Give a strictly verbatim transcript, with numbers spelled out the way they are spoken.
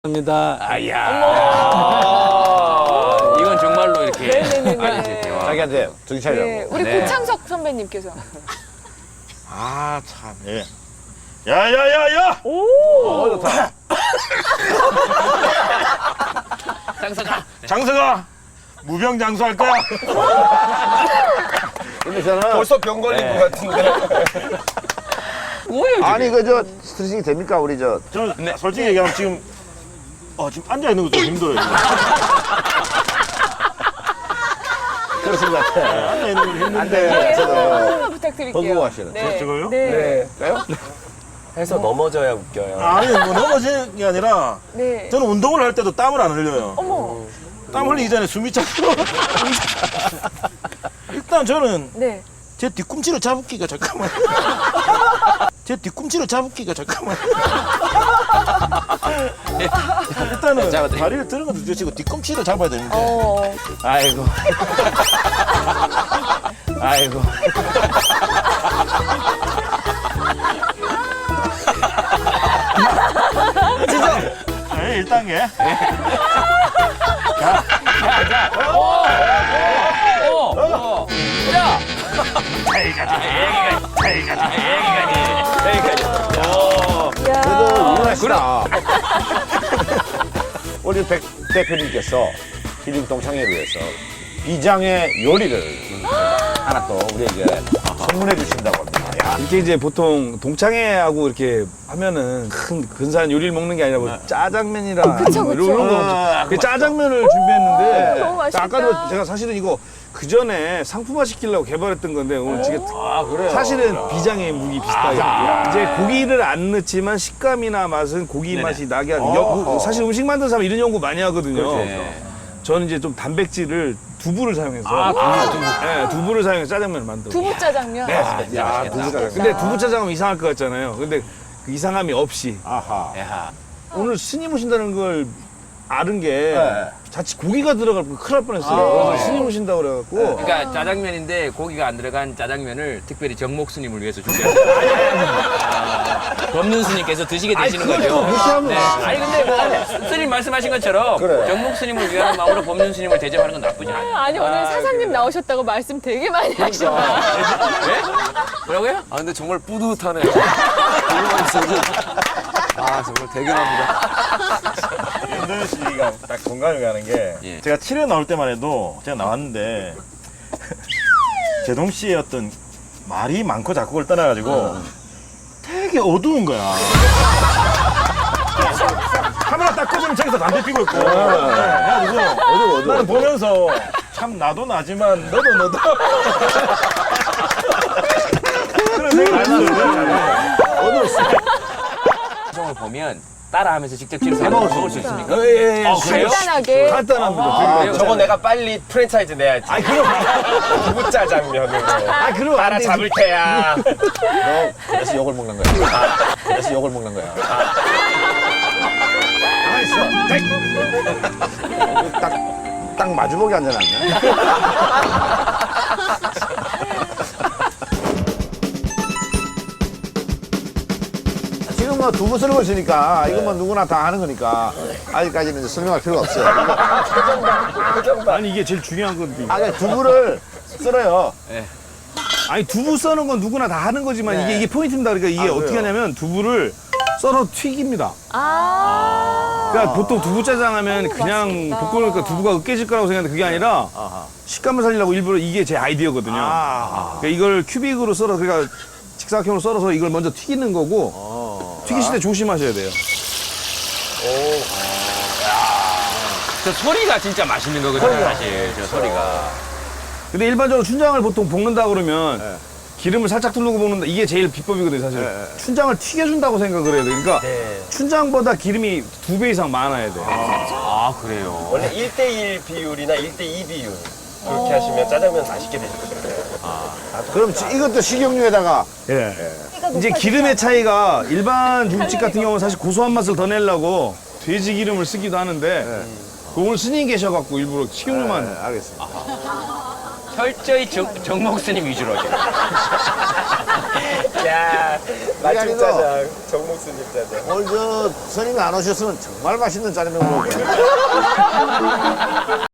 합니다. 아야. 이건 정말로 이렇게 네네네네. 아니지, 대화. 자기한테 정신 차리라고. 네, 우리 네. 고창석 선배님께서. 아, 참, 예. 야, 야, 야, 야! 오! 어, 좋다. 장사가. 장서가 무병장수 할 거야. 근데 저는 벌써 병 걸린 네. 것 같은데. 뭐예요, 지금? 아니 그 저 스트레칭이 됩니까 우리 저 저는 솔직히 얘기하면 지금 어, 지금 앉아 있는 것도 힘들어요. 지금. 그렇습니다. 앉아 있는 것도 힘든데. 네, 저도 한 번만 부탁드릴게요. 번고 하시는. 네. 저거요? 네. 까요? 해서 넘어져야 웃겨요. 아니, 뭐 넘어지는 게 아니라 네. 저는 운동을 할 때도 땀을 안 흘려요. 어머. 땀 흘리기 전에 숨이 차서. 일단 저는 네. 제 뒤꿈치를 잡기가 잠깐만. 제 뒤꿈치를 잡기가 잠깐만. 일단은 잡아드릴게요. 다리를 드는 것도 뒤치고 뒤꿈치를 잡아야 되는데. 어. 아이고. 아이고. 네, 일 단계. 어, 어. 야! 야. 그래도 유능하시다. 우리 백 대표님께서 힐링 동창회를 위해서 비장의 요리를 하나 또 우리에게 선물해 주신다고 합니다. 야, 이렇게 이제 보통 동창회하고 이렇게 하면은 큰 근사한 요리를 먹는 게 아니라 뭐 짜장면이랑 그쵸, 뭐 그쵸. 이런 거 아, 그 짜장면을 준비했는데 너무 맛있겠다. 아까도 제가 사실은 이거 그 전에 상품화 시키려고 개발했던 건데 오늘 지금 아, 그래요? 사실은 비장의 무기 비슷하게 이제 고기를 안 넣지만 식감이나 맛은 고기 맛이 나게 하는 여- 사실 음식 만드는 사람 이런 연구 많이 하거든요. 네. 저는 이제 좀 단백질을 두부를 사용해서 아, 두부. 네, 두부를 사용해서 짜장면을 만들고 두부 짜장면. 네. 야, 두부가. 근데 두부 짜장면 이상할 것 같잖아요. 근데 그 이상함이 없이 아하. 야. 오늘 스님 오신다는 걸 아는 게 네. 자칫 고기가 들어갈 거 큰일 날 뻔했어요. 그래서 스님 오신다고 그래갖고 그러니까 짜장면인데 고기가 안 들어간 짜장면을 특별히 정목 스님을 위해서 준비했어요. 법륜 스님께서 드시게 되시는 거죠. 무시하면 네. 아니 근데 뭐 스님 말씀하신 것처럼 그래. 정목 스님을 위한 마음으로 법륜 스님을 대접하는 건 나쁘지 않아요. 아니, 오늘 사장님 나오셨다고 말씀 되게 많이 하시네요. 네? 뭐라고요? 아 근데 정말 뿌듯하네요. 아 정말 대견합니다. 윤도현 씨가 딱 공감이 가는 게 예. 제가 칠 회 나올 때만 해도 제가 나왔는데 제동 씨의 어떤 말이 많고 작곡을 떠나가지고 되게 어두운 거야. 카메라 딱 끄면 저기서 담배 피고 있고. 네, 그래가지고 어두워, 어두워. 나는 보면서 참 나도 나지만 너도 너도. 그런 생각이 들어요. 방송을 보면 따라하면서 직접 집에서 먹을 수 있습니까? 예, 예, 아, 그래요? 간단하게. 간단합니다. 그래요? 저거 내가 빨리 프랜차이즈 내야지. 아니 그럼 두부 짜장면으로. 아 그럼 안 따라 되지. 잡을 테야. 너 그래서 욕을 먹는 거야. 그래서 욕을 먹는 거야. 알았어. 딱, 딱 마주보기 앉아놨네. 지금 뭐 두부 쓰는 있으니까 이건 뭐 누구나 다 하는 거니까 아직까지는 이제 설명할 필요가 없어요. 아니 이게 제일 중요한 건데. 아, 그냥 두부를 썰어요. 아니 두부 써는 건 누구나 다 하는 거지만 네. 이게 이게 포인트입니다. 그러니까 이게 아, 어떻게 그래요? 하냐면 두부를 썰어 튀깁니다. 아. 그러니까 보통 두부 짜장 하면 그냥 맛있겠다. 볶으니까 두부가 으깨질 거라고 생각하는데 그게 아니라 아하. 식감을 살리려고 일부러 이게 제 아이디어거든요. 아. 그러니까 이걸 큐빅으로 썰어 그러니까 직사각형으로 썰어서 이걸 먼저 튀기는 거고 어. 튀기실 때 조심하셔야 돼요. 저 소리가 진짜 맛있는 거거든요, 사실. 저 소리가. 근데 일반적으로 춘장을 보통 볶는다 그러면 네. 기름을 살짝 두르고 볶는다 이게 제일 비법이거든요, 사실. 네. 춘장을 튀겨준다고 생각을 해야 돼. 그러니까 춘장보다 기름이 두 배 이상 많아야 돼. 아, 그래요? 원래 일 대 일 비율이나 일 대 이 비율 그렇게 하시면 짜장면 맛있게 드실 거예요. 그럼 지- 이것도 식용유에다가 예. 이제 기름의 차이가 일반 중국집 같은 경우는 사실 고소한 맛을 더 내려고 돼지 기름을 쓰기도 하는데 그 오늘 스님 계셔갖고 일부러 식용유만 네, 알겠습니다. 철저히 정, 정목 스님 위주로 지금. 야, 맛집 아니고. 짜장, 정목스님 짜장. 오늘 저 스님이 안 오셨으면 정말 맛있는 짜장면 먹을 거예요.